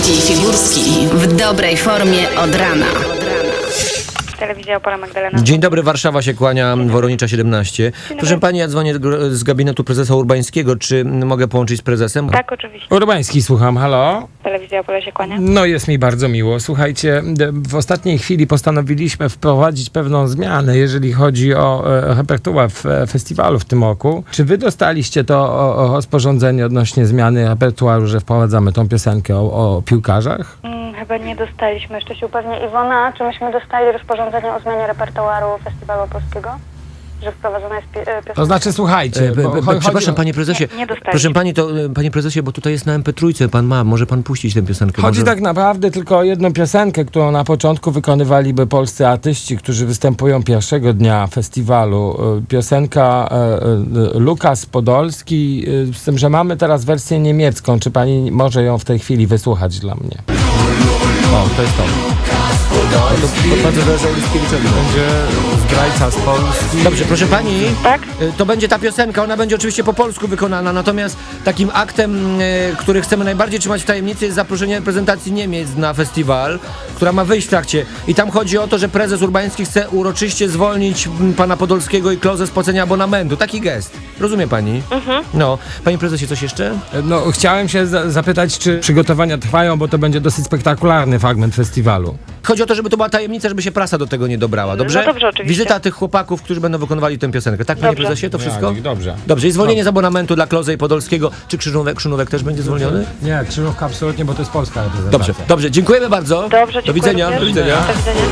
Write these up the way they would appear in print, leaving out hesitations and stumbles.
Wojewódzki i Figurski w dobrej formie od rana. Telewizja Opole, Magdalena. Dzień dobry, Warszawa się kłania, Woronicza 17. Proszę pani, ja dzwonię z gabinetu prezesa Urbańskiego. Czy mogę połączyć z prezesem? Tak, oczywiście. Urbański, słucham, halo? Telewizja Opole się kłania. No jest mi bardzo miło. Słuchajcie, w ostatniej chwili postanowiliśmy wprowadzić pewną zmianę, jeżeli chodzi o repertuar festiwalu w tym roku. Czy wy dostaliście to rozporządzenie odnośnie zmiany repertuaru, że wprowadzamy tą piosenkę o piłkarzach? Chyba nie dostaliśmy. Jeszcze się upewnię. Iwona, czy myśmy dostali rozporządzenie o zmianie repertuaru Festiwalu Polskiego? Że wprowadzona jest piosenka? To znaczy, słuchajcie... Przepraszam, panie prezesie. Nie dostaliśmy. Proszę pani, to panie prezesie, bo tutaj jest na MP3, pan ma, może pan puścić tę piosenkę. Chodzi może... tak naprawdę tylko o jedną piosenkę, którą na początku wykonywaliby polscy artyści, którzy występują pierwszego dnia festiwalu. Piosenka Lukas Podolski, z tym, że mamy teraz wersję niemiecką. Czy pani może ją w tej chwili wysłuchać dla mnie? O, to jest to. To bardzo zależy od Liskiewiczowi. Będzie zdrajca z Polski. Dobrze, proszę pani, Tak? to będzie ta piosenka, ona będzie oczywiście po polsku wykonana, natomiast takim aktem, który chcemy najbardziej trzymać w tajemnicy, jest zaproszenie reprezentacji Niemiec na festiwal, która ma wyjść w trakcie. I tam chodzi o to, że prezes Urbański chce uroczyście zwolnić pana Podolskiego i Klozę z płacenia abonamentu. Taki gest. Rozumie pani? No. Panie prezesie, coś jeszcze? No, chciałem się zapytać, czy przygotowania trwają, bo to będzie dosyć spektakularny fragment festiwalu. Chodzi o to, żeby to była tajemnica, żeby się prasa do tego nie dobrała, dobrze? No dobrze, oczywiście. Wizyta tych chłopaków, którzy będą wykonywali tę piosenkę. Tak, panie Dobrze. prezesie, to wszystko? Ja, dobrze. Dobrze, i zwolnienie z abonamentu dla Klozy i Podolskiego. Czy Krzynówek też będzie zwolniony? Nie, Krzyżówka absolutnie, bo to jest polska reprezentacja. Dobrze, dobrze, dziękujemy bardzo. Dobrze, Do widzenia. dziękuję Do również. widzenia. Do widzenia.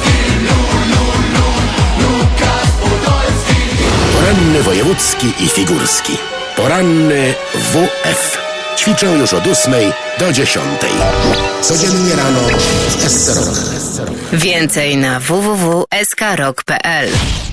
Poranny wojewódzki i figurski. Poranny WF. Ćwiczę już od 8 do 10. Codziennie rano w SC Rock. Więcej na www.skrok.pl.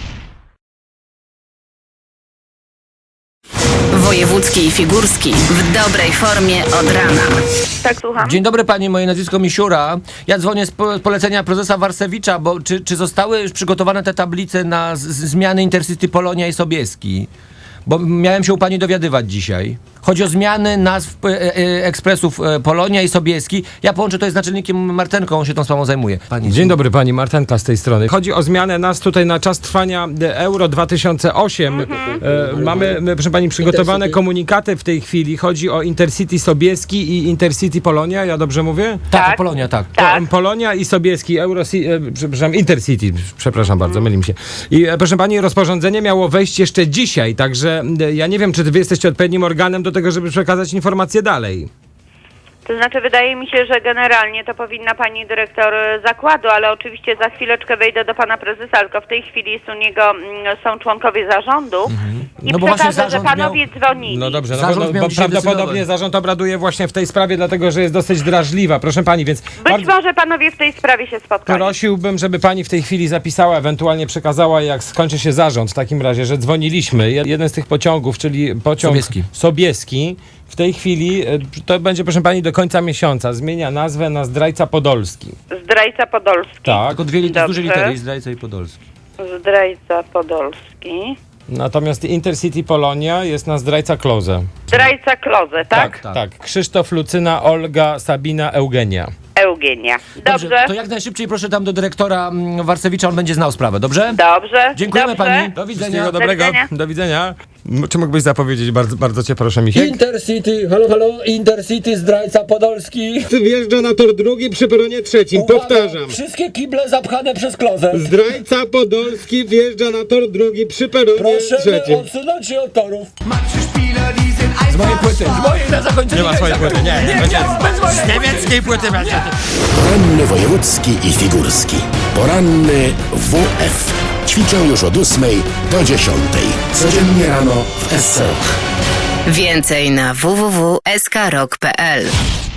Wojewódzki i Figurski w dobrej formie od rana. Tak, słucham. Dzień dobry pani, moje nazwisko Misiura. Ja dzwonię z polecenia prezesa Warsewicza, bo czy zostały już przygotowane te tablice na zmiany Intercity Polonia i Sobieski? Bo miałem się u pani dowiadywać dzisiaj. Chodzi o zmiany nazw ekspresów Polonia i Sobieski. Ja połączę to z naczelnikiem Martenką, on się tą sprawą zajmuje. Pani, Dzień dobry, pani Martenka z tej strony. Chodzi o zmianę nas tutaj na czas trwania Euro 2008. Mamy, proszę pani, przygotowane Intercity. komunikaty w tej chwili. Chodzi o Intercity Sobieski i Intercity Polonia, ja dobrze mówię? Tak, Polonia, tak. Tak. Polonia i Sobieski, przepraszam, Intercity, przepraszam bardzo, myli mi się. I proszę pani, rozporządzenie miało wejść jeszcze dzisiaj, także ja nie wiem, czy wy jesteście odpowiednim organem do tego, żeby przekazać informacje dalej. To znaczy, wydaje mi się, że generalnie to powinna pani dyrektor zakładu, ale oczywiście za chwileczkę wejdę do pana prezesa, tylko w tej chwili jest u niego, są członkowie zarządu i No bo właśnie przekażę, że zarząd panowie dzwonili. No dobrze, Zarząd miał bo dzisiaj prawdopodobnie decydować. zarząd obraduje właśnie w tej sprawie, dlatego że jest dosyć drażliwa. Proszę pani, więc Być może panowie w tej sprawie się spotkali. prosiłbym, żeby pani w tej chwili zapisała, ewentualnie przekazała, jak skończy się zarząd w takim razie, że dzwoniliśmy. Jeden z tych pociągów, czyli pociąg Sobieski, w tej chwili, to będzie, proszę pani, do końca miesiąca, zmienia nazwę na Zdrajca Podolski. Zdrajca Podolski. Tak. Tylko duże Dobrze. litery, Zdrajca i Podolski. Zdrajca Podolski. Natomiast Intercity Polonia jest na Zdrajca Klozę. Zdrajca Klozę, tak? Tak. Krzysztof, Lucyna, Olga, Sabina, Eugenia. Eugenia. Dobrze. To jak najszybciej proszę tam do dyrektora Warsewicza, on będzie znał sprawę, dobrze? Dobrze. Dziękujemy Dobrze. pani. Do widzenia. Wszystkiego dobrego. widzenia. Do widzenia. Czy mógłbyś zapowiedzieć, bardzo cię proszę, Misiek? Intercity, halo, Intercity, Zdrajca Podolski. Wjeżdża na tor drugi przy peronie trzecim. Powtarzam. Wszystkie kible zapchane przez klozę. Zdrajca Podolski wjeżdża na tor drugi przy peronie trzecim. odsunąć się od torów. Z mojej płyty, z mojej na zakończenie. Nie ma swojej płyty, nie. bez mojej. Z niemieckiej płyty będzie. Poranny wojewódzki i figurski. Poranny WF. Ćwiczę już od 8 do 10. Codziennie rano w SC Rock. Więcej na www.skrok.pl.